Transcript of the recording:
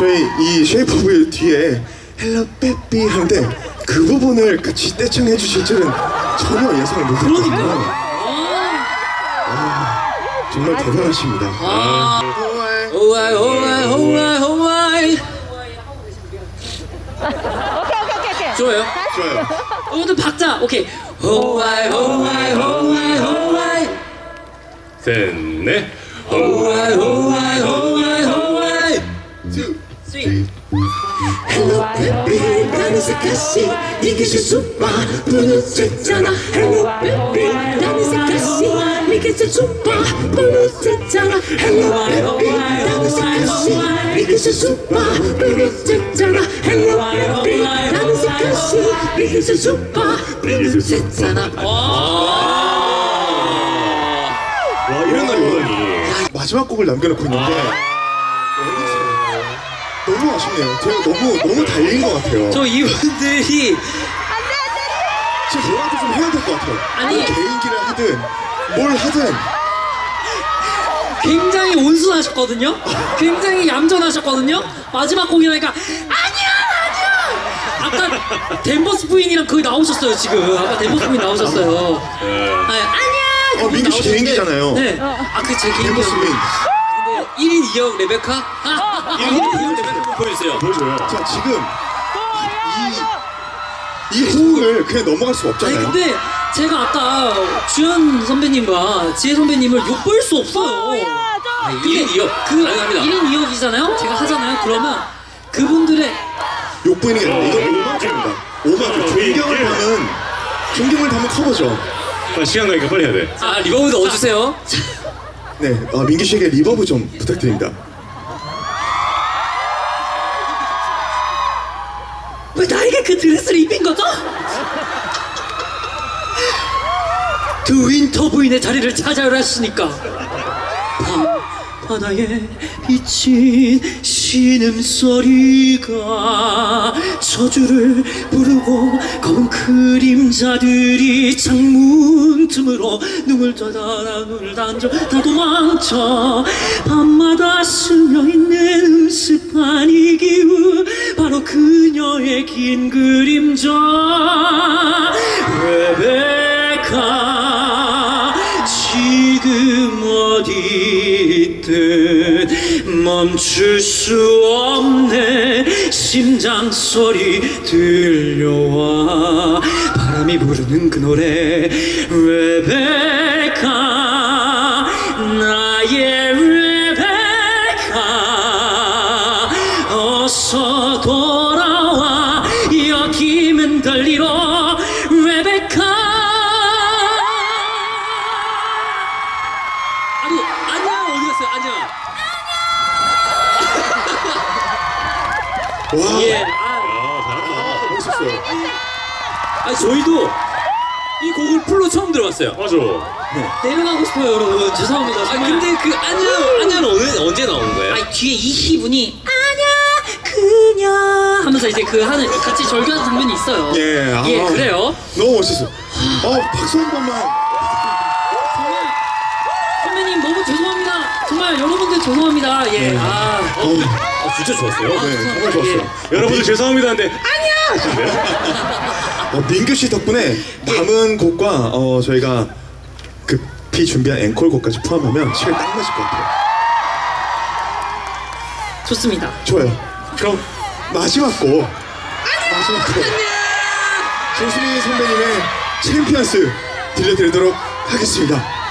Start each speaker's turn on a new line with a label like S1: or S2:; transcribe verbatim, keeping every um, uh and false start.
S1: 저희 이 쉐이프 오브 유 뒤에 헬로 빼삐 하는데 그 부분을 같이 떼창해 주실 줄은 전혀 예상을 못했거든요.
S2: 그러니까요.
S1: 아, 정말 대단하십니다.
S2: 아. 오아이 오아이 오아이 오아이. 좋아요.
S1: 좋아요.
S2: 오늘 박자 오케이. 오아이 오아이 오아이 오아이.
S3: 셋넷
S2: 오아이 오아이 오아이 오아이.
S1: two,
S2: three.
S4: Hello baby 나는 색깔씨 이게 실수봐 뿌듯했잖아 Hello baby 나는 색깔씨 이게 실수봐 뿌듯했잖아 Hello baby 나는 색깔씨 이게 실수봐 뿌듯했잖아 Hello baby 나는 색깔씨 이게 실수봐 뿌듯했잖아
S3: 와 이런 날이 오다니.
S1: 마지막 곡을 남겨놓고 있는데 너무 아쉽네요. 제가 너무 너무 달린 것 같아요.
S2: 저 이분들이
S1: 진짜 뭐라도 좀 해야 될 것 같아요.
S2: 아니.
S1: 뭐 개인기를 하든 뭘 하든.
S2: 굉장히 온순하셨거든요. 굉장히 얌전하셨거든요. 마지막 공연하니까 아니야 아니야. 아까 댄버스 부인이랑 거기 나오셨어요 지금. 아까 댄버스 부인 나오셨어요. 아, 아니야.
S1: 어, 민규 씨 개인기잖아요.
S2: 네. 아그 제 개인기.
S1: 댄버스 부인.
S2: 일 인 이 역 레베카? 일 인 이 역 레베카 한번 보여주세요.
S3: 보여줘요.
S1: 자 지금 이, 이 호응을 그냥 넘어갈 수가
S2: 아니
S1: 없잖아요.
S2: 근데 제가 아까 주현 선배님과 지혜 선배님을 욕볼 수 없어요.
S3: 일 인 이 역
S2: 그
S3: 가능합니다.
S2: 일 인 이 역이잖아요? 제가 하잖아요? 그러면 그분들의
S1: 욕보이는 게 아니라 이건 오마주입니다. 오마주. 존경을 담은 존경을 담은 커버죠.
S3: 아, 시간 가니까 빨리 해야 돼.
S2: 아 리버브 넣어주세요.
S1: 네, 어, 민규 씨에게 리버브 좀 부탁드립니다.
S2: 왜 나에게 그 드레스를 입힌 거죠? 그 윈터 부인의 자리를 찾아오라 했으니까 밤 바다에 비친 신음소리가 저주를 부르고 검은 그림자들이 창문 틈으로 눈을 떠다라 눈을 던져 다 도망쳐 밤마다 스며있는 음습한 이 기운 바로 그녀의 긴 그림자 레베카 지금 어디 있든 멈출 수 없네 심장 소리 들려와 바람이 부르는 그 노래 레베카 나의 레베카 어서 돌아와 여기면 들리러 레베카 아니 안녕 어디 갔어요 안녕
S1: 와,
S2: 예 아,
S3: 아 잘한다.
S1: 멋있었어요.
S2: 아니 저희도 이 곡을 풀로 처음 들어봤어요.
S3: 맞아.
S2: 내려가고 싶어요 여러분 죄송합니다
S5: 아
S2: 정말.
S5: 근데 그 아냐 아냐는 오늘 언제 나온 거예요?
S2: 아니 뒤에 이희 분이 아냐 그녀 하면서 이제 그 하는 같이 절규하는 장면이 있어요.
S1: 예, 아,
S2: 예 그래요.
S1: 너무 멋있어. 어, 박수 한 번만.
S2: 정말 선배님 너무 죄송합니다. 정말 여러분들 죄송합니다. 예. 아, 어,
S1: 어,
S3: 아 진짜 좋았어요.
S1: 네, 정말 좋았어요.
S3: 여러분들 죄송합니다. 근데
S1: 어, 민규 씨 덕분에 남은 곡과 어, 저희가 급히 준비한 앵콜 곡까지 포함하면 시간 딱 맞을 것 같아요.
S2: 좋습니다.
S1: 좋아요. 그럼 마지막 곡. 마지막 곡. 조수미 선배님의 챔피언스 들려드리도록 하겠습니다.